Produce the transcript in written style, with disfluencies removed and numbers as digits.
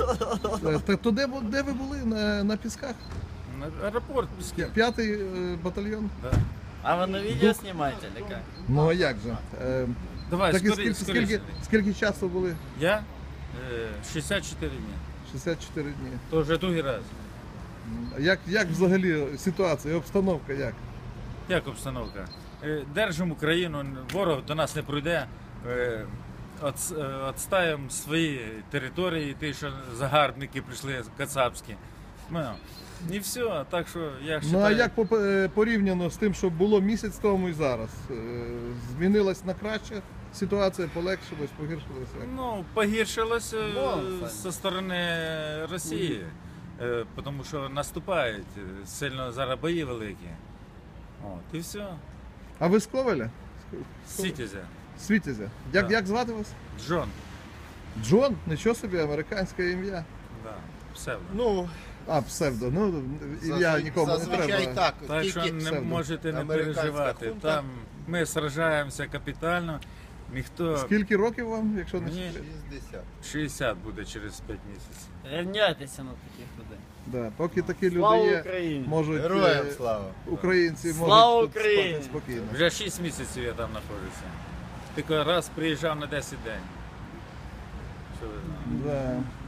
То де ви були? На Пісках? Аэропорт Піски. 5-й батальйон? Да. А вы на видео снимаете или как? Ну а як же? Давай, Так і скоріше. скільки часу були? Я 64 дні. 64 дні. То вже другий раз. Як взагалі ситуація, обстановка як? Як обстановка? Держимо Україну, ворог до нас не пройде. Отстаємо свої території, ті, що загарбники прийшли кацапські. Ну, і все, так що я Ну а вважаю... як порівняно з тим, що було місяць тому і зараз? Змінилась на краще ситуація, полегшилась, погіршилась? Ну, погіршилось зі сторони Росії, тому що наступають, сильно зараз бої великі. От, і все. А ви з Ковеля? Сітязя. Світязя. Да. Як звати вас? Джон. Джон? Нічого собі, американське ім'я. Да, псевдо. Ну, А, псевдо, ну ім'я нікому не зазвичай треба. так. Так що Тільки не псевдо. можете не Американська переживати. хунта. Там ми сражаємося капітально. Ніхто... Скільки років вам, якщо не Мені секрет? 60. 60 буде через 5 місяців. Рівняйтеся на таких людей. Да, поки такі люди Слава є, Україні! можуть Героям слава. українці Слава можуть тут Україні! спати спокійно. Вже 6 місяців я там знаходжуся. Тільки раз приїжджав на 10 день. Що ви знаєте? Да.